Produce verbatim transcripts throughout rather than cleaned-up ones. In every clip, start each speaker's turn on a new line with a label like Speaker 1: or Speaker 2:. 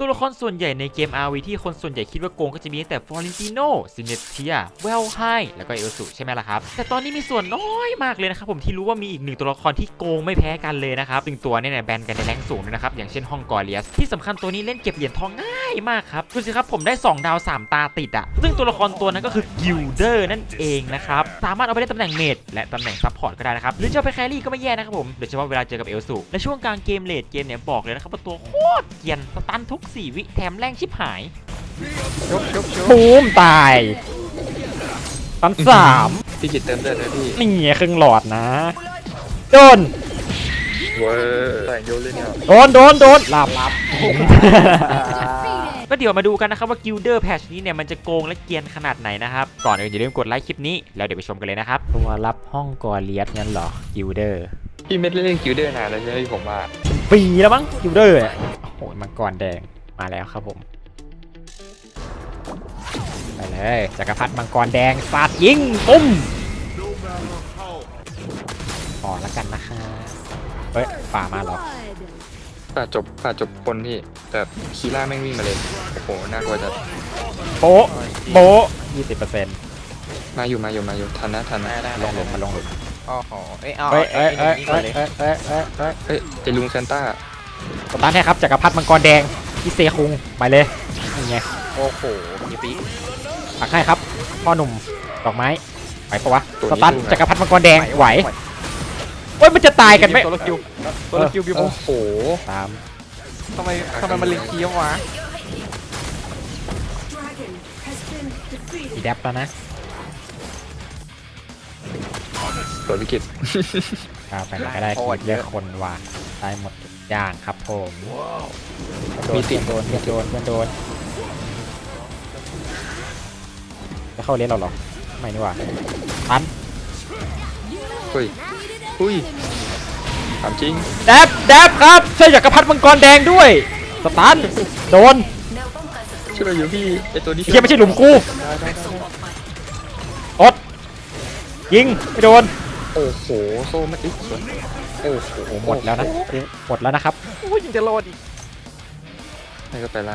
Speaker 1: ตัวละครส่วนใหญ่ในเกม อาร์ วี ที่คนส่วนใหญ่คิดว่าโกงก็จะมีตั้งแต่ฟลอเรนติโนซินเนเทียเวลไฮแล้วก็เอลสุใช่ไหมล่ะครับแต่ตอนนี้มีส่วนน้อยมากเลยนะครับผมที่รู้ว่ามีอีกหนึ่งตัวละครที่โกงไม่แพ้กันเลยนะครับซึ่งตัวนี้เนี่ยแบนกันในแรงสูงด้วยนะครับอย่างเช่นฮองกอเลียสที่สำคัญตัวนี้เล่นเก็บเหรียญทองง่ายมากครับดูสิครับผมได้สองดาวสามตาติดอ่ะซึ่งตัวละครตัวนั้นก็คือกิลเดอร์นั่นเองนะครับสามารถเอาไปเล่นตำแหน่งเมจและตำแหน่งซัพพอร์ตก็ได้นะครับหรือจะไปแครี่ก็ไม่แย่นะครับผมโดยเฉพาะเวลาเจอกับเอลสุและช่วงกลางเกมเลดเกมเนี่ยบอกเลยนะครับว่าตัวโคตรเกรียนสตันทุกสี่วิแถมแรงชิบหาย
Speaker 2: ชุบชุบชุบ
Speaker 3: บูมตายตันสาม
Speaker 2: พี่กิตเติมเลือดเลยพี่
Speaker 3: นี่ไงครึ่งหลอดนะโดน
Speaker 2: เว้ยแต่งโยนเลยเนี่ย
Speaker 3: โดนโดนโดนหลับหลับ
Speaker 1: ก็เดี๋ยวมาดูกันนะครับว่ากิลเดอร์แพชนี้เนี่ยมันจะโกงและเกรียนขนาดไหนนะครับก่อนอื่นอย่าลืมกดไลค์คลิปนี้แล้วเดี๋ยวไปชมกันเลยนะครับตัวรับห้องกอเลียสงั้นเหรอกิลเดอร์
Speaker 2: พี่เม็ดเล่นกิลเดอร์นานแล้วใช่ไหมผมว่า
Speaker 3: ปีแล้วมั้งกิลเดอร์โอ้โหมังกรแดงมาแล้วครับผมไปเลยจักรพรรดิมังกรแดงสาดยิงปุ้มพอแล้วกันนะคะเฮ้ยป่ามาเหรอ
Speaker 2: ป่าจบป่าจบคนพี่แต่คีร่าแม่งวิ่งมาเลยโอ้โหน่ากลัวจัด
Speaker 3: โป๊ะโป๊ะยี่สิบเปอร์เซ็นต์
Speaker 2: มาอยู่มาอยู่มาอยู่ทันนะทันนะ
Speaker 3: ลงหลุมมาลงหลุม
Speaker 4: โอ้โหเอ้ยเอา
Speaker 3: เฮ้ยเฮ้ย
Speaker 4: ไอ้
Speaker 3: เฮ้ย
Speaker 4: นี่ก่
Speaker 3: เฮ้
Speaker 4: อน
Speaker 3: ย
Speaker 4: เลย
Speaker 3: เฮ้ยเฮ้ยเฮ้ยเฮ้ย
Speaker 2: เฮ้ยไอลุงซานต้า
Speaker 3: สตาร์ทให้ครับจักรพรรดิมังกรแดงพี่เซคุงไปเลยนี่ไง
Speaker 4: โอ้โหมีปี
Speaker 3: ปักให้ครับพ่อหนุ่มดอกไม้ไหวปะวะสตาร์ทจักรพรรดิมังกรแดงไหวโอ้ยมันจะตายกันไหม
Speaker 4: ตัวละคิวตัวละคิวบิว
Speaker 2: โอ้โห
Speaker 3: ตาม
Speaker 4: ทำไมทำไมมันลิงเคี้ยววะ
Speaker 3: อีแดปแล้วนะ
Speaker 2: ตัววิกฤต
Speaker 3: กาวไปไหนก็ได้ทีเยอะคนว่ะได้หมดทุกอย่างครับผมโดนเพื่อนโดนเพื่อนโดนเพื่อนโดนจะเข้าเลนเราหรอไม่นี่หว่าตัน
Speaker 2: เฮ้ยอุ้ยถามจริง
Speaker 3: แดบแดบครับช่วยจักรพรรดิมังกรแดงด้วยสตันโดน
Speaker 2: ช่วยเราอยู่พี่ไอตัวนี้
Speaker 3: เฮียไม่ใช่หลุมกูอดยิงไม่โดน
Speaker 2: โอ้โหโซ่ไม่อีกส่วนโอ้โห
Speaker 3: หมดแล้วนะหมดแล้วนะครับ
Speaker 4: โอ้ยยังจะรอดอีก
Speaker 2: นี่ก็ไปละ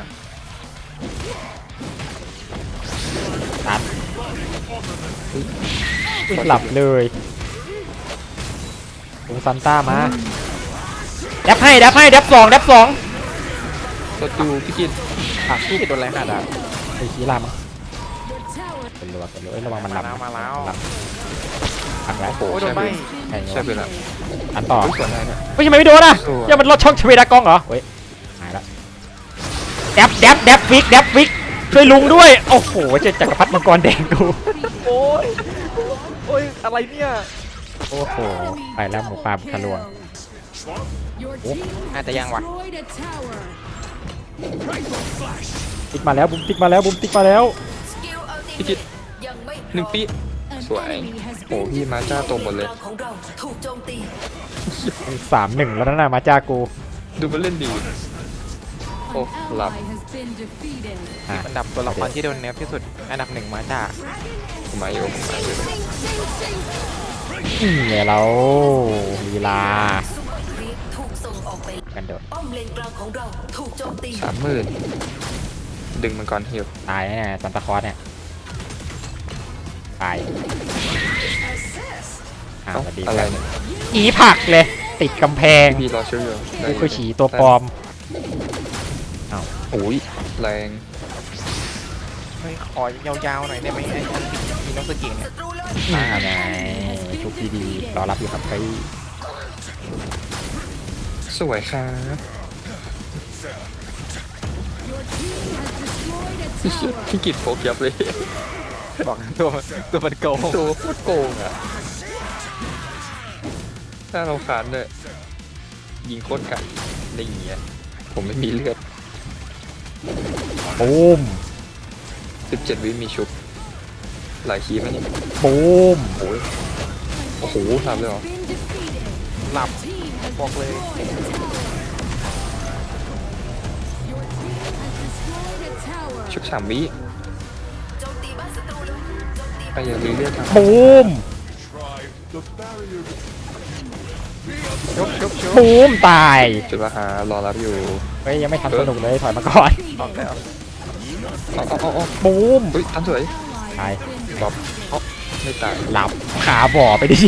Speaker 3: ตันหลับเลยลุงซันต้ามาแดบให้แดบให้แดบสองแดบสอง
Speaker 2: ตัวดูพี่กิต
Speaker 3: อ่ะ
Speaker 4: พี่โดนอะไรขนาดนั้น
Speaker 3: ไอ้ขี้ลามั้งเป็นรัวเป็นรัวเอ้ยระวังมัน
Speaker 4: มา
Speaker 3: ลำ
Speaker 4: แล้วมาแล้ว
Speaker 3: ลำพักแล้ว
Speaker 2: โอ้โห
Speaker 4: โอ้ยโด
Speaker 2: ใช่
Speaker 4: น
Speaker 2: ไป
Speaker 4: ไม่
Speaker 3: ใช่
Speaker 2: ใช่ไปแล้ว
Speaker 3: อันต่อ
Speaker 2: ส่วนไหนเนี่ย
Speaker 3: ไม่ใช่ไม่โดนอ่ะ
Speaker 2: สวย
Speaker 3: อย่ามันลดช่องชเวดากองเหรอเฮ้ยหายละแดบแดบแดบฟิกแดบฟิกช่วยลุงด้วยโอ้โหเจอจักรพรรดิมังกรแดงกู
Speaker 4: โอ้ยโอ้ยอะไรเนี่ย
Speaker 3: โอ้โหไปแล้วหมูป่าบุกทะลวง
Speaker 4: อาจจะยังวะ
Speaker 3: ติ๊กมาแล้วบุ้มติ๊กมาแล้วบุ้มติ๊กมาแล้ว
Speaker 2: พี่กิตหนึ่งปีสวยโอ้พี่มาจ้าโตหมดเลย
Speaker 3: สามหนึ่งแล้วนะมาจากู
Speaker 2: ดูมันเล่นดีโอ้หลับ
Speaker 3: อ่ะ
Speaker 4: อันดับตัวละครที่โดนเนฟที่สุดอันดับหนึ่งมาจาก
Speaker 2: ผมมาอยู่ผมมาอยู่
Speaker 3: นี่ไงเราลีลากันโดด
Speaker 2: สามหมื่นดึงมันก่อนฮิว
Speaker 3: ตายแน่ซันตาคลอสเนี่ยตายอ้าวสวัสดี
Speaker 2: อะไร
Speaker 3: ครับ
Speaker 2: เนี่ย
Speaker 3: อีผักเลยติดกำแพง
Speaker 2: พี่รอเชื่ออยู่ได้
Speaker 3: กูคือฉีตัวปลอม
Speaker 2: โอ้ยแรง
Speaker 4: เฮ้ยขอยาวๆหน่อยได้ไหมไอ้อันมีน้องสกินเนี่ย
Speaker 3: อ่าไงชุบดีๆรอรับอยู่ครับพี่
Speaker 2: สวยครับพี่กิตโฟกยับเลย
Speaker 4: บอกตัวตัวมันโกง
Speaker 2: ตัวโคตรโกงอ่ะถ้าเราขานเลยยิงโคตรไก่ได้อย่างเงี้ยผมไม่มีเลือด
Speaker 3: บูม
Speaker 2: สิบเจ็ดวิมีชุบหลายคีย์ไหมนี่
Speaker 3: บูม
Speaker 2: โอ้ยโอ้โหทำเลยเหรอ
Speaker 4: หลับบอกเลย
Speaker 2: ชุบสามวิไปอย่าลืมเลือดทำ
Speaker 3: บูม
Speaker 4: ชุบชุบชุบ
Speaker 3: บูมตาย
Speaker 2: จุดราคารอรับอยู่
Speaker 3: เฮ้ยยังไม่ทันสนุกเลยถอยมาก่อน
Speaker 4: ออกแล้ว
Speaker 2: เอาเอาเอาเอา
Speaker 3: บูม
Speaker 2: เฮ้ยทันสวย
Speaker 3: ตาย
Speaker 2: บอบเอ้าไม่ตาย
Speaker 3: หลับขาบ่อไปดิ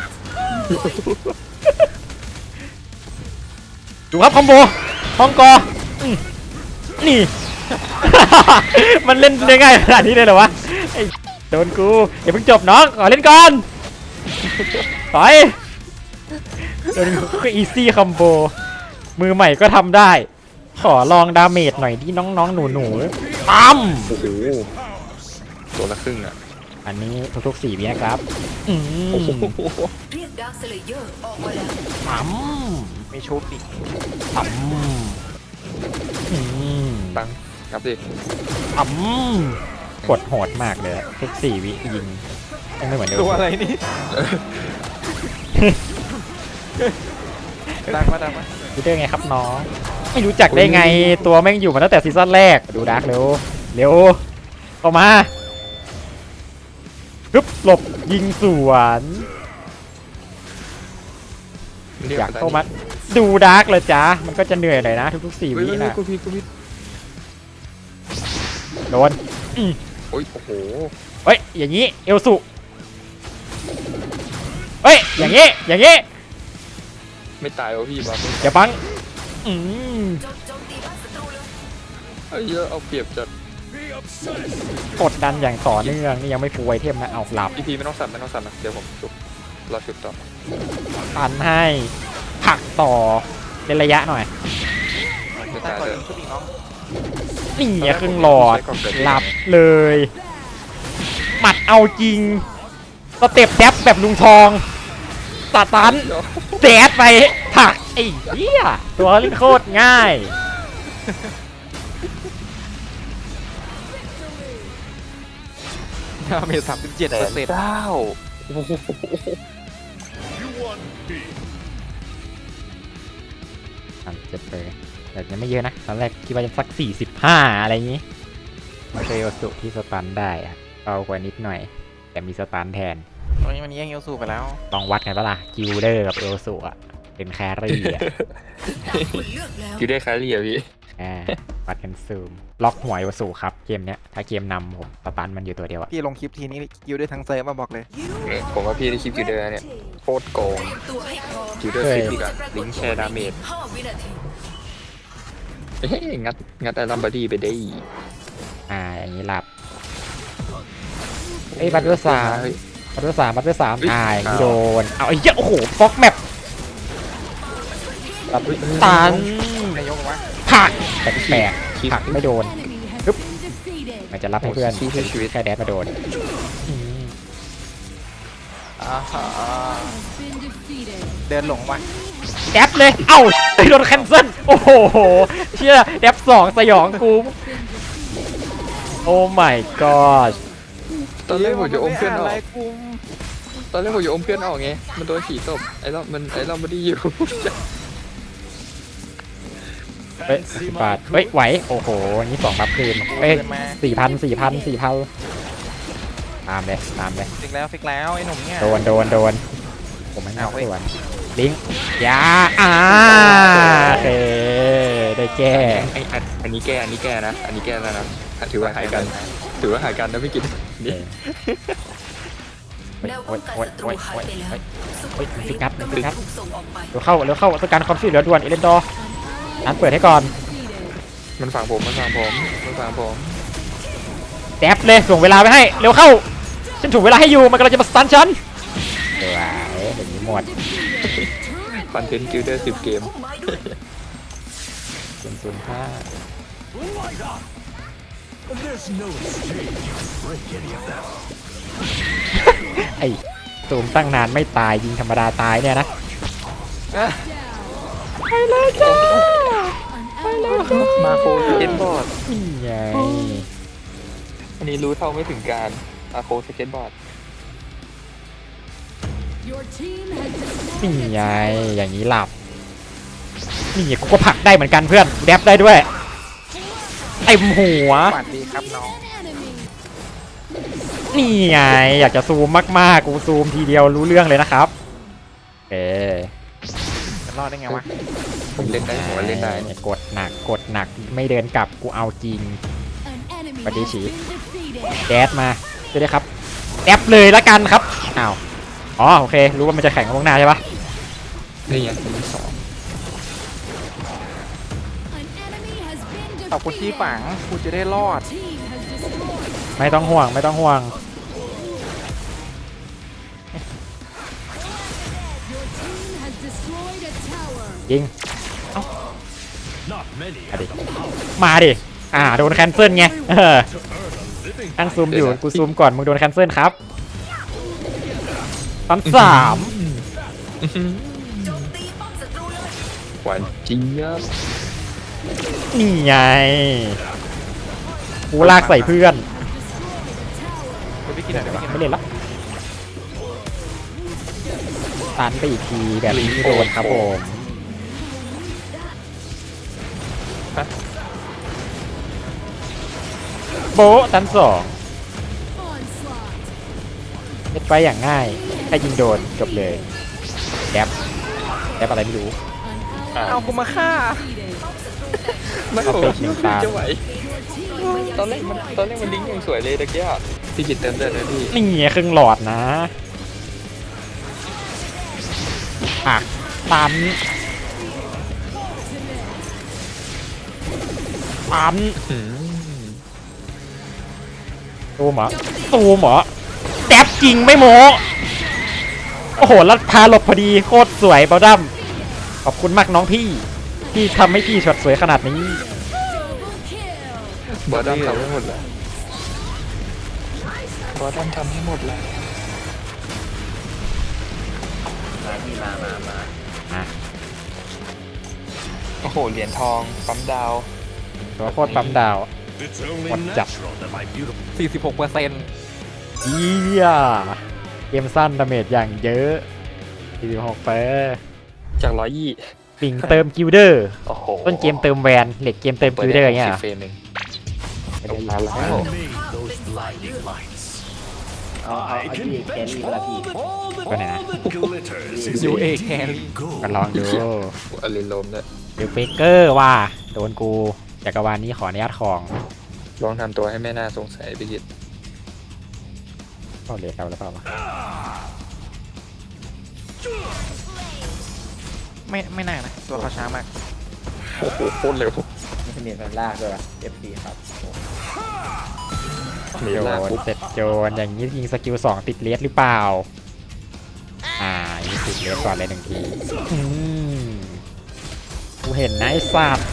Speaker 3: ดูครับคอมโบฮ่องกออืมนี่ มันเล่นได้ง่ายขนาดนี้เลยเหรอวะไอ้โดนกูอย่าเพิ่งจบน้องขอเล่นก่อนไปโดนกูก็อีซี่คอมโบมือใหม่ก็ทำได้ ขอลองดาเมจหน่อยที่น้องๆหนูๆปั๊ม
Speaker 2: โอ้โหตัวละครึ่งอ่ะ
Speaker 3: อันนี้ทุกๆสี่วินะครับอืม
Speaker 2: โอ้โห
Speaker 5: เรียกดาร์คสเลเยอร์ออกมาแล้ว
Speaker 3: ปั๊ม
Speaker 4: มีชุบอีก
Speaker 3: ปั๊มอืม
Speaker 2: ตังครับดิ
Speaker 3: ปั๊มกดโหดมากเลยอะทุกสี่วิยิงยังไม่เหมือนเดิม
Speaker 4: ตัวอะไรนี่ดังมาดังมา
Speaker 3: รู้ได้ไงครับน้อง ไม่รู้จักได้ไงตัวแม่งอยู่มาตั้งแต่ซีซั่นแรกดูดาร์กเร็วเร็วเข้ามาฮึบหลบยิงสวน
Speaker 2: เรีก
Speaker 3: อยากเข้ามาดูดาร์กเลยจ้ามันก็จะเหนื่อยหน่อยนะทุกๆสี่
Speaker 2: เฮ้ย
Speaker 3: วิ
Speaker 2: เฮ้ย
Speaker 3: นะ
Speaker 2: กูพี่กูพี่
Speaker 3: โดนอืม
Speaker 2: โอ้ยโอ้โห
Speaker 3: เฮ้ยอย่างนี้เอลสุเฮ้ยอย่างนี้อย่างนี้
Speaker 2: ไม่ตายวะพี่บอส
Speaker 3: อย่าบังอืม
Speaker 5: โจมโจมตีบ้านศัตรูเลย
Speaker 2: เฮ้ยเยอะเอาเปรียบจัด
Speaker 3: กดดันอย่างต่อเนื่องนี่ยังไม่ฟูลไอเทมนะเอาหลับ
Speaker 2: พี่พีไม่ต้องสั่นไม่ต้องสั่นนะเดี๋ยวผมชุบรอชุบต่อ
Speaker 3: ปันให้ผลักต่อเป็นระยะหน่อย
Speaker 2: ไม่
Speaker 4: ตั้
Speaker 2: ตาง ย
Speaker 4: ก่อน
Speaker 2: เลย
Speaker 4: ชุบอีกน้อง
Speaker 3: นี่ไงครึ่งหลอดหลับเลยหมัดเอาจริงสเต็ปแดบแบบลุงทองสตันแดดไปผลักไอ้เหี้ยตัวเล่นโคตรง่าย
Speaker 4: ดาเมจสามสิบเจ็ด
Speaker 2: แส
Speaker 4: เปอน ร์เซ็นต์
Speaker 2: เก้าโอ้โห
Speaker 3: สามเจ็ดเลยแต่ยังไม่เยอะนะตอนแรกคิดว่าจะสักสี่สิบห้าอะไรอย่างนี้มาเจอโอสุที่สตันได้อะเบากว่านิดหน่อย แต่มีสตันแทน
Speaker 4: ตอนนี้มันแย่งเอลสูไปแล้ว
Speaker 3: ลองวัดกันปะล่ะกิลเดอร์กับเอลสุอะเป็นแครี่อะ
Speaker 5: ตามคุณเลือกแล้ว
Speaker 2: คิวได้คล้ายเรียพี่
Speaker 3: อ่าวัดกันซูมล็อกหัวเอลสุครับเกมเนี้ยถ้าเกมนำผมสตันมันอยู่ตัวเดียวอะ
Speaker 4: พี่ลงคลิปทีนี้คิวได้ทั้งเซิร์ฟมาบอกเลย
Speaker 2: ผมว่าพี่ได้คลิปคิวเดอร์เนี่ยโคตรโกง
Speaker 5: ตัวให้พร้อม
Speaker 2: คิวเดอร์ฟิกอะลิงก์แชร์ดาเมจ
Speaker 5: ห้าวินาที
Speaker 2: เฮ้ยงัดงัดไอ้ลัมบาร์ดี้ไปได้
Speaker 3: อ่าอย่างนี้หลับเอ้ยบัตเตอร์สาม
Speaker 2: เฮ้ย
Speaker 3: บัตเตอร์สามบัตเตอร์สาม
Speaker 2: เฮ้ย
Speaker 3: อ่าอย่างนี้
Speaker 2: อ้าว
Speaker 3: โดนเอาไอ้เหี้ยโอ้โหฟอกแมปตัน
Speaker 4: นายกบอกว่า
Speaker 3: ผักแปลก
Speaker 2: คลิป
Speaker 3: ๆผักไม่โดน มันจะรับให้เพื่อน
Speaker 2: โอ้ชี้ให้ชีวิต
Speaker 3: แค่แดดมาโดนอืม
Speaker 4: อ่าฮะเดินหลงมา
Speaker 3: แดบเลย เอ้าโดนแคนเซิลโอ้โห เชื่อแดบสองสยองกู โอ้ my god
Speaker 2: ตอนแรกผมจะอมเพื่อนอ
Speaker 4: อะ
Speaker 2: อ
Speaker 4: ไร
Speaker 2: ก
Speaker 4: กุม
Speaker 2: ตอนแรกผมจะอมเพื่อนออกไงมันโดนขี่ตบไอ้เรามันไอ้เราไม่ได้อยู่
Speaker 3: เฮ้ยสิบบาทเฮ้ย ไหว โอ้โห นี่สองรับคืนเฮ้ย
Speaker 4: เดินมา
Speaker 3: สี่พันสี่พันสี่พันตามเลย ตามเลย
Speaker 4: ฟิกแล้วฟิกแล้วไอ้หนุ่มเนี่ย
Speaker 3: โดน โดน โดน ผมไม่
Speaker 4: เอา
Speaker 3: เอา
Speaker 4: เว้ย
Speaker 3: ส่วนลิงก์ยาอ่าโอเค ได้แก้
Speaker 2: ไอ้อันอันนี้แก้อันนี้แก้นะ อันนี้แก้แล้วนะถือว่าหายกัน ถือว่าหายกันนะไม่กินนี่
Speaker 5: แนวป้องกันศัตรูหายไปแล้วซุปเปอร์ครีปกำลังถูกส่งออกไป
Speaker 3: เร็วเข้าเร็วเข้าต้องการความช่วยเหลือด่วนเอเลนดอร์ร้านเปิดให้ก่อน
Speaker 2: มันฝังผมมันฝังผมมันฝังผม
Speaker 3: แดบเลยส่งเวลาไปให้เร็วเข้าฉันถูกเวลาให้อยู่มันกำลังจะมาสตันฉันเดี๋ยวเดี๋ยวนี้หมด
Speaker 2: คอนเทนต์กิลเดอร์สิบเกม
Speaker 5: พุ่มไม้ด้วย
Speaker 3: ศูนย์ศูนย์ห้าไอ้ตูมตั้งนานไม่ตายยิงธรรมดาตายเนี่ยนะ
Speaker 4: อ่ะ
Speaker 3: ไปเลยจ้า
Speaker 2: มาโคสเก็ตบอร์ด
Speaker 3: นี่ไง
Speaker 2: อันนี้รู้เท่าไม่ถึงการมาโคสเก็ตบอร์ด
Speaker 3: นี่ไงอย่างนี้หลับนี่กูก็ผลักได้เหมือนกันเพื่อนแดบได้ด้วยเต็มหัว
Speaker 4: สวัสดีครับน้อง
Speaker 3: นี่ไงอยากจะซูมมากๆกูซูมทีเดียวรู้เรื่องเลยนะครับเออ
Speaker 4: รอดได้ไงวะ
Speaker 2: ผมเล่นได้ผมว่าเล่นได้เนี่ย
Speaker 3: กดหนักกดหนักไม่เดินกลับกูเอาจริง
Speaker 5: ปฏิชี
Speaker 3: แก๊สมาช่วยด้วยครับแอปเลยละกันครับอ้าวอ๋อโอเครู้ว่ามันจะแข่งกับพวกหน้าใช่ปะ
Speaker 2: นี่ไงมีสอง
Speaker 4: ขอบคุณที่ฝังกูจะได้รอด
Speaker 3: ไม่ต้องห่วงไม่ต้องห่วงยิงเอ้ามาดิมาดิอ่าโดนแคนเซิลไงเออตั้งซูมอยู่กูซูมก่อนมึงโดนแคนเซิลครับตอนสาม
Speaker 2: หวานเจี๊ยบ
Speaker 3: นี่ไงกูลากใส่เพื่อน
Speaker 4: เดี๋ยวไปกินหน่อยเดี๋ยวไปกินหน่
Speaker 3: ไม่
Speaker 4: อย
Speaker 3: เล่นละตันไปอีกทีแบบนี้โดนครับผมโบะตันสองเล็ดไปอย่างง่ายแค่ยิงโดนจบเลยแดบแดบอะไรไม่รู้
Speaker 4: เอากูมาฆ่า
Speaker 2: ไม่
Speaker 3: เอา
Speaker 2: ผม
Speaker 3: ไป
Speaker 2: คิดว่า
Speaker 3: ตาม
Speaker 2: จะไหวตอนแรกมันตอนแรกมันดิ้งอย่างสวยเลยตะเกียบพี่กิตเติมเลือดเลยพี่
Speaker 3: นี่ไงครึ่งหลอดนะอ่ะตันตัน
Speaker 2: อืม
Speaker 3: ตูมเหรอตูมเหรอแดบจริงไม่โมโอ้โหแล้วพาหลบพอดีโคตรสวยเบลดัมขอบคุณมากน้องพี่ที่ทำให้พี่ช็อตสวยขนาดนี้
Speaker 2: บอสดัมทำให้หมดแล้วบอสดัมทำให้หมดแล้ว
Speaker 3: อ่ะ
Speaker 2: โอ้โหเหรียญทองปั๊มดาว
Speaker 3: ตัวโคตรปั๊มดาว หมดจับ
Speaker 4: สี่สิบหกเปอร์เซ็นต์
Speaker 3: เยี่ยเกมสั้นดาเมจอย่างเยอะสี่สิบหกเปอร์
Speaker 2: จากร้อยยี่
Speaker 3: ปิงเติมกิลเดอร์
Speaker 2: โอ้โห
Speaker 3: ต้นเกมเติมแวนเหล็กเกมเติมกิลเดอร์เงี้ยเหรอ
Speaker 2: เฟรมหนึ่ง
Speaker 3: ไม่ได้
Speaker 2: มาแล้ว
Speaker 6: เอาเอาไอ้ที่แครี่เวลาพี่
Speaker 3: ก็ไหนนะ
Speaker 4: ยูเอแครี่
Speaker 3: ก็ลองดู
Speaker 2: อลินโลมด้วย
Speaker 3: เดลเฟเกอร์ว่าโดนกูจักรวาลนี้ขออนุญาตของ
Speaker 2: ลองทำตัวให้แม่น่าสงสัยพี่กิต
Speaker 3: ก็เลทเราแล้วเปล่าวะ
Speaker 4: ไม่ไม่น่านะตัวเขาช้ามาก
Speaker 2: โอ้โหโคตรเร็ว
Speaker 6: ไม่ใช่เมียนแฟนลากด้วยวะ เอฟ ซี ครับ
Speaker 2: มี
Speaker 3: โจ
Speaker 2: ลาก
Speaker 3: น
Speaker 2: ปุ๊บ
Speaker 3: เสร็จโจนอย่างนี้ยิงสกิลสองติดเลสหรือเปล่าอ่ายิงติดเลสก่อนเลยหนึ่งทีอืมกูเห็นนะไอ้สัตว์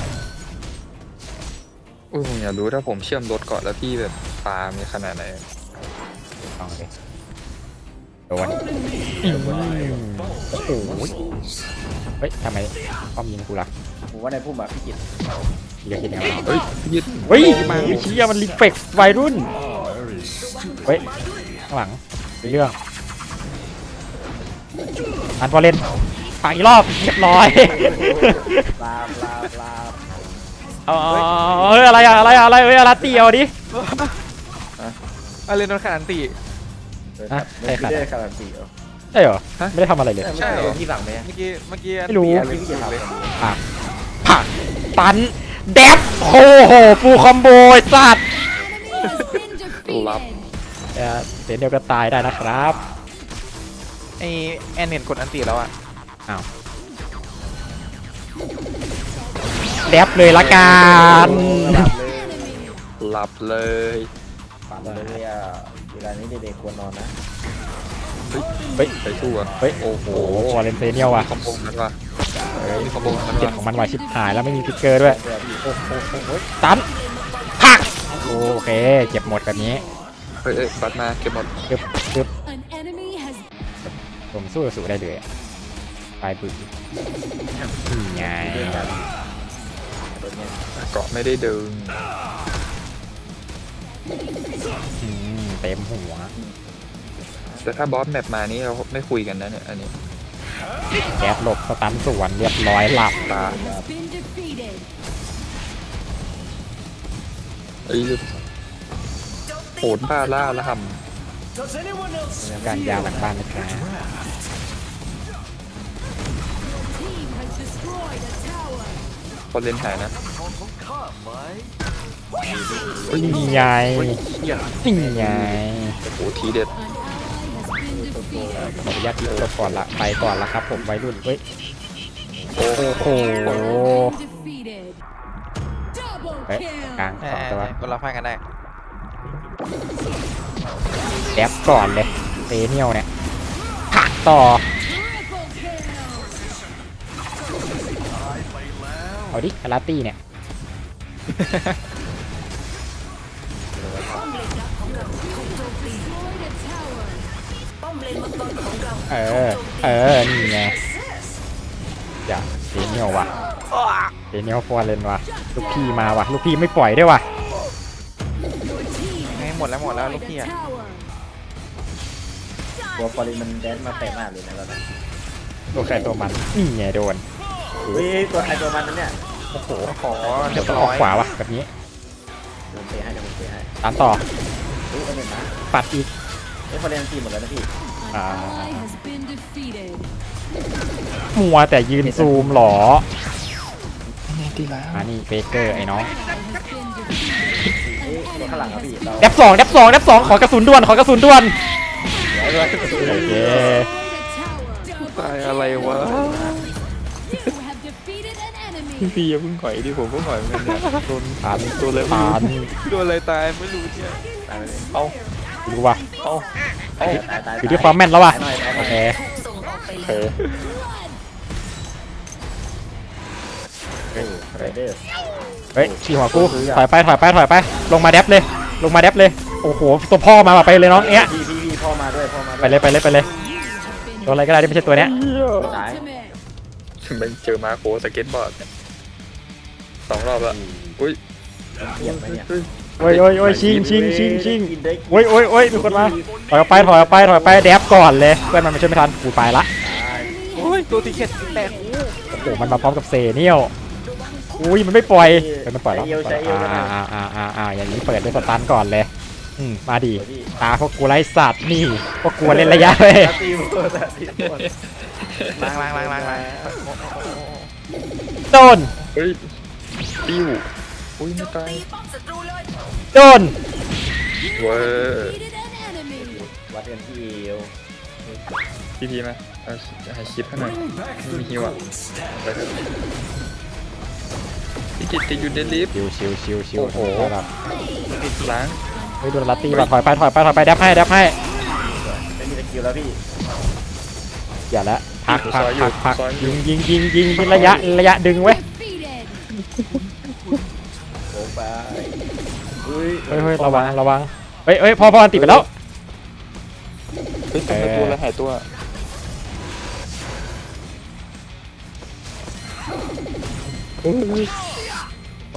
Speaker 2: อุ้ยผมอยากรู้ถ้าผมเชื่อมรถก่อนแล้วพี่แบบปลามีขนาดไหน
Speaker 3: ลองเลยโดนอืมโอ้โหเฮ้ยทำไมป้อมยิงกูล่ะ
Speaker 6: ผมว่าในพุ่มอะพี่กิต
Speaker 3: พี่ก็คิดยังไงวะ
Speaker 2: เฮ้ยพี่กิต
Speaker 3: เฮ้ยเชี่ยมันรีเฟกวัยรุ่นเฮ้ยข้างหลังมีเรื่องอันพอเล่นฝังอีกรอบเรียบร้อย
Speaker 6: ลาบลาบลาบ
Speaker 3: เอาเอาเฮ้ยอะไรอะอะไรอะอะไรเฮ้ยอะไรตีเอาดิ
Speaker 4: อะไรนนท์ขนาดตี
Speaker 3: ฮะใครขัด
Speaker 6: ไม่ได้การันตีเหรอ
Speaker 3: ใช่เหรอไม่ได้ทำอะไรเลย
Speaker 6: ไม่ใช่เหรอพี่สั่งไหม
Speaker 4: เมื่อกี้เมื่อกี้
Speaker 3: ไม่รู้
Speaker 6: พี่กิตทำเลย
Speaker 3: ผักผักตันแดบโอ้โหฟูลคอมโบไอ้สัตว์
Speaker 2: รับ
Speaker 3: เอ่อเดี๋ยวเดียวก็ตายได้นะครับ
Speaker 4: ไอแอนเห็นกดอันตีแล้วอะ
Speaker 3: แดบเลยละกัน
Speaker 6: หลับเลย
Speaker 2: หลับเลย
Speaker 6: ฝันเลยอ่ะเวลานี้เด็กๆควรนอนนะ
Speaker 3: เฮ้ย
Speaker 2: ไปสู้อ่ะ
Speaker 3: เฮ้ย
Speaker 2: โอ้โห
Speaker 3: โอ้โหวาเลนเซเนียลว่ะ
Speaker 2: คอมโบนั้นว่ะเฮ้ยคอมโบนั้น
Speaker 3: เจ็ด
Speaker 2: ว่ะ
Speaker 3: ของมันวายชิบหายแล้วไม่มีฟิกเกอร์ด้วย
Speaker 6: เดี๋ยวพี่
Speaker 3: โอ้โหโอ้โหตันผักโอเคเก็บหมดแบบนี้
Speaker 2: เฮ้ยเอ้ยบัตรมาเก็บหมด
Speaker 3: จึ๊บจึ๊บผมสู้สู้ได้เลยอะปลายปืนนี่ไง
Speaker 2: เกาะไม่ได้ดึง
Speaker 3: อืมเต็มหัว
Speaker 2: แต่ถ้าบอสแมปมานี่เราไม่คุยกันนะเนี่ยอันนี้
Speaker 3: แก๊สหลบสตันสวนเรียบร้อยหลับ
Speaker 2: ตาไอ้ยโหดบ้าล่าละห
Speaker 3: การยาวหลังบ้านนะครับ
Speaker 2: พอเล่นหายนะ
Speaker 3: นี่ไงนี่ไง
Speaker 2: โอ้โหทีเด็ด
Speaker 3: ขออนุญาตที่จบก่อนละไปก่อนละครับผมวัยรุ่นเฮ้ย
Speaker 2: โอ้โห
Speaker 3: โอ้โหเฮ้ยกลาง
Speaker 4: เอ
Speaker 3: สองตัว
Speaker 4: อคนละไฟกันได้
Speaker 3: แดบก่อนเลยเซเนียลเนี่ยผักต่อเอาดิคาราตี้เนี่ย
Speaker 5: ป้อมเลนดักของเราถูกโจมตีป้อมเลนมังกรของเรา
Speaker 3: เออเออนี่ไงอย่าเซเนียลว่ะเซเนียลฟอร์เรนว่ะลูกพี่มาว่ะลูกพี่ไม่ปล่อยด้วยว่ะ
Speaker 4: ไม่หมดแล้วหมดแล้วลูกพี่อะ
Speaker 6: ตัวฟอรินมันแดนมาเตะมากเลยนะตอนนั้น
Speaker 3: ตัวใครตัวมันนี่ไงโดน
Speaker 6: เฮ้ยตัวใครตัวมันนั่นเนี่ย
Speaker 3: โอ้โห
Speaker 4: ขอ
Speaker 3: เดี๋
Speaker 4: เรี
Speaker 3: ย
Speaker 4: ยว บ
Speaker 3: ต้องอ
Speaker 4: ร้
Speaker 3: อ
Speaker 4: อก ย
Speaker 3: ขวาว่ะแบบนี้
Speaker 6: เดี๋ยวเตะให้เดี๋ยวผมเตะให้
Speaker 3: ตามต่อ
Speaker 6: เฮ้ยเอาเน็ตมา
Speaker 3: ปัดอีก
Speaker 6: เฮ้ยฟอรินทีหมดแล้วนะพี่
Speaker 3: อ่ามัวแต่ยืนซูมหรออ่านี่เบเกอร์ไอ้น้อง
Speaker 6: เฮ้ยตัวข้างหลังครับพี่เรา
Speaker 3: แดบสองแดบสองแดบสองขอกระสุนด่วนขอกระสุนด่วนโอเค
Speaker 2: ตายอะไรวะพี่อย่าเพิ่งหอยดิผมเพิ่งหอยเหมือนกันเนี่ยโดน
Speaker 3: ผ่าน
Speaker 2: ตัวเลย
Speaker 3: ผ่าน
Speaker 2: โดนอะไรตายไม่รู้เนี่ย
Speaker 6: ตายไปเลย
Speaker 2: เอา
Speaker 3: ดูว่ะ
Speaker 2: เอา
Speaker 6: ตายตายตาย
Speaker 3: อยู่ที่ความแม่นแล้วว่ะ
Speaker 6: ตายหน่อยตายห
Speaker 3: โอ
Speaker 6: น่อย
Speaker 3: เค
Speaker 5: ส่งออกไป
Speaker 3: เอ
Speaker 5: แล้ว
Speaker 3: อ
Speaker 6: ไรเดอร์
Speaker 3: เฮ้ยชี้หัวกูถอยไปถอยไปถอยไปลงมาแดบเลยลงมาแดบเลยโอ้โหตัวพ่อมาว่ะไปเลยน้องเนี้ย
Speaker 6: พี่พี่พี่พ่อมาด้วยพ่อมาด้วย
Speaker 3: ไปเลยไปเลยไปเลยตัวอะไรก็ได้ที่ไม่ใช่ตัวเนี้ย
Speaker 6: ตาย
Speaker 2: มันเจอมาโคสเก็ตบอร์ดสองรอบแล้วอุ้ย
Speaker 6: เหยียบไหมเนี่ย
Speaker 3: โอ้ยโอ้ยโอ้ยชิงชิงชิงชิง
Speaker 6: กินได้กิน
Speaker 3: โอ้ยโอ้ยโอ้ยมีคนมาถอยออกไปถอยออกไปถอยออกไปแดบก่อนเลยเพื่อนมันไม่ช่วยไม่ทันกูไปละ
Speaker 6: ตาย
Speaker 4: โอ้ยตัวตีเข็ดแตก
Speaker 3: โอ้โหมันมาพร้อมกับเซเนียลอุ้ยมันไม่ปล่อยเฮ้ยมันปล่อยแล้ว
Speaker 6: ใช้เอวใช้เอว
Speaker 3: อ่า
Speaker 6: ได้ไหม
Speaker 3: อ่าอ่าอ่าอ่าอย่างนี้เปิดด้วยสตันก่อนเลยอืมมาดี
Speaker 6: เดี๋ยวพี่
Speaker 3: ตาพวกกูไร้สัตว์นี่พวกกูเล่นระยะเว้ย
Speaker 6: ตีหมดตีหมด
Speaker 4: ล้างล้างล้างล้างล้าง
Speaker 3: โดน
Speaker 2: เฮ้ยติ้วอุ้ยไม่ตาย
Speaker 5: ป้อมศัตรูเลย
Speaker 3: โดน
Speaker 2: เว้ย
Speaker 6: วัดกันที่เอว
Speaker 2: พี่พีมาเอาให้คลิปให้หน่อยไม่มีฮิวอ่ะไปเถอะพี่กิตติดอยู่เดดลิฟต์
Speaker 3: ชิวชิวชิวชิว
Speaker 2: โอ้โห
Speaker 3: แบบ
Speaker 2: ล้าง
Speaker 3: เฮ้ยโดนลัตตี้ว่ะถอยไปถอยไปถอยไปแดบให้แดบให้
Speaker 6: ไม่มีสกิลแล้วพี่
Speaker 3: อย่าละพักพักพักพักยิงยิงยิงยิงยิงระยะระยะดึงเว้ย
Speaker 6: โอ้ไปเฮ้ย
Speaker 3: เฮ้ยเฮ้ยระวังระวังเฮ้ยเฮ้ยพอพออันติดไปแล้ว
Speaker 2: เฮ้ยทำไมตัวอะไรหายตัว
Speaker 6: ไป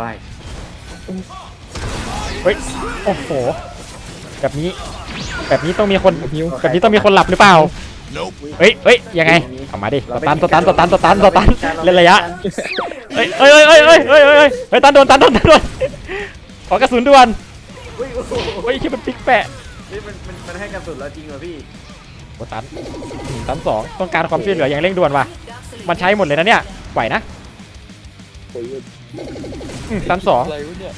Speaker 3: เฮ้ยโอ้โหแบบนี้แบบนี้ต้องมีคนแบบนี้ต้องมีคนหลับหรือเปล่าเฮ้ยเฮ้ยยังไงเอามาดิสตันสตันสตันสตันสตันเล่นระยะเฮ้ยเฮ้ยเฮ้ยเฮ้ยเฮ้ยเฮ้ยเฮ้ยเฮ้ยตันโดนตันโดนตันโดนขอกระสุนด่วน
Speaker 6: เฮ้ยโอ้โห
Speaker 3: เฮ้ยคิดมันปิ๊กแปะ
Speaker 6: เฮ้ยมันมันมันให้กระสุนเราจริงเหรอพี่
Speaker 3: โอ้ตันอืมตันสองต้องการความช่วยเหลืออย่างเร่งด่วนว่ะมันใช้หมดเลยนะเนี่ยไหวนะ
Speaker 2: โอ้ย
Speaker 3: อืมตันสอง
Speaker 2: อะไรวะเนี่ย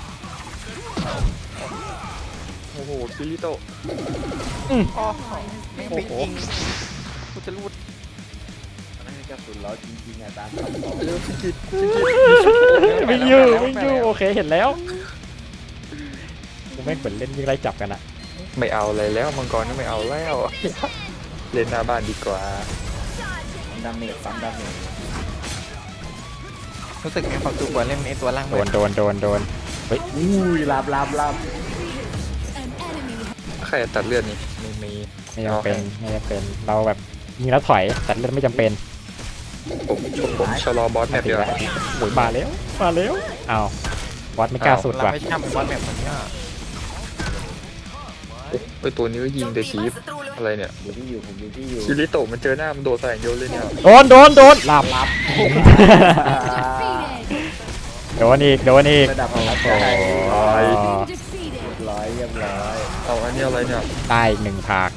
Speaker 2: โอ้โหคิริโตะ
Speaker 3: อืม
Speaker 4: อ๋อไม่ปิดยิงกูจะรูด
Speaker 6: มันให้กระสุนเราจริงๆอ่ะตามคำบอก
Speaker 2: เร็วพี่กิต
Speaker 3: วิ่งอยู่วิ่งอยู่โอเคเห็นแล้วกูไม่งเหมือนเล่นยิงไล่จับกันอะ
Speaker 2: ไม่เอาอะไรแล้วมังกรก็ไม่เอาแล้ว เล่นหน้าบ้านดีกว่า
Speaker 6: ดาเมจปั๊มดาเมจ
Speaker 4: รู้สึกมีความสุขกว่าเล่นไอ้ตัวล่าง
Speaker 3: โด
Speaker 4: มื
Speaker 3: นโดนโดนโดนเฮ้ย
Speaker 6: อุ้ยลาบลาบลาบ
Speaker 2: ใครตัดเลือดนี่ไม่มี
Speaker 3: ไม่จำเป็นไม่จำเป็นเราแบบยิงแล้วถอยแต่เล่นไม่จำเป็น
Speaker 2: ผมผมชะลอบอสแมปเดียว
Speaker 3: โอ้ยมาแล้วมาแล้วอ้าวบอสไม่กล้าสุด
Speaker 4: เรา
Speaker 3: ว่ะ
Speaker 4: ไม่ช่ำบอลแบบนี้อ่ะ
Speaker 2: เอ้ยตัวนี้ก็ยิงแต่ชีฟอะไรเนี่ย
Speaker 6: อยู่ที่อยู่ผมอยู่ที่อยู่
Speaker 2: คิริโตะมันเจอหน้ามันโดดใส่อย่างเดียวเลยเนี่ย
Speaker 3: โดนโดนโดนหลับหลับโดนอีกโดนอีก
Speaker 6: ระดับของใจ
Speaker 3: โอ้ย
Speaker 6: ร้อยเรียบร้อย
Speaker 2: เอาอันนี้อะไรเนี่ย
Speaker 3: ได้อีกหนึ่งผาก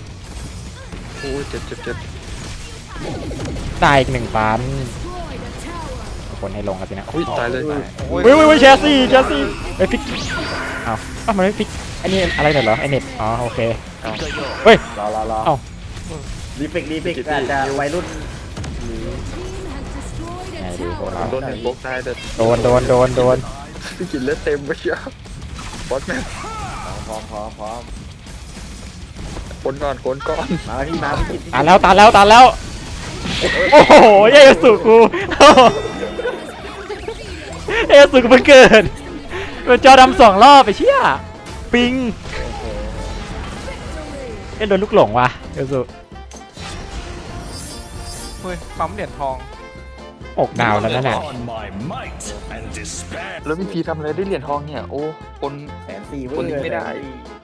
Speaker 2: โอ้ยเจ็บเจ็บเจ็บ
Speaker 3: ได้อีกหนึ่งปันคนให้ลงกันสินะ
Speaker 2: อุ้ยตายเลย
Speaker 4: โอ้ย
Speaker 3: เว้ยเว้ยเว้ยแชสซี่แชสซี่ไอ้ยฟิกอ้าวอ้าวมันไม่ฟิกอันนี้อะไรหน่อยเหรอไอเน็ตอ๋อโอเค เฮ้ย
Speaker 6: รอรอรอ
Speaker 3: เอ้า
Speaker 6: รีเฟกรีเฟกอาจจะวัยรุ่นหรือ
Speaker 3: ไงดีโดนเรา
Speaker 2: โดนหนึ่งบล็อกได้แต่
Speaker 3: โดนโดนโดนโดน
Speaker 2: พี่กินเลือดเต็มไปเชียวบอสแม่ง
Speaker 6: พร้อมพร้อมพร้อม
Speaker 2: คนก่อนคนก่อน
Speaker 6: มาพี่มาพี่กิน
Speaker 3: ตานแล้วตานแล้วตานแล้วโอ้โหเอสุกูเอสุกูเพิ่งเกิดเป็นจอดำสองรอบไปเชี่ยปิงเอ็นโดนลูกหลงว่ะเอสุ
Speaker 4: เฮ้ยปั๊มเหรียญทอง
Speaker 3: อกดาวแล้วนั่นแหละ
Speaker 7: On my might and despair.
Speaker 2: แล้วพี่พีทำอะไรได้เหรียญทองเนี่ย โอ้คน
Speaker 6: แสนสี่เว้
Speaker 2: คน
Speaker 6: ย
Speaker 2: นี้ไม่ได้
Speaker 6: แสนสี่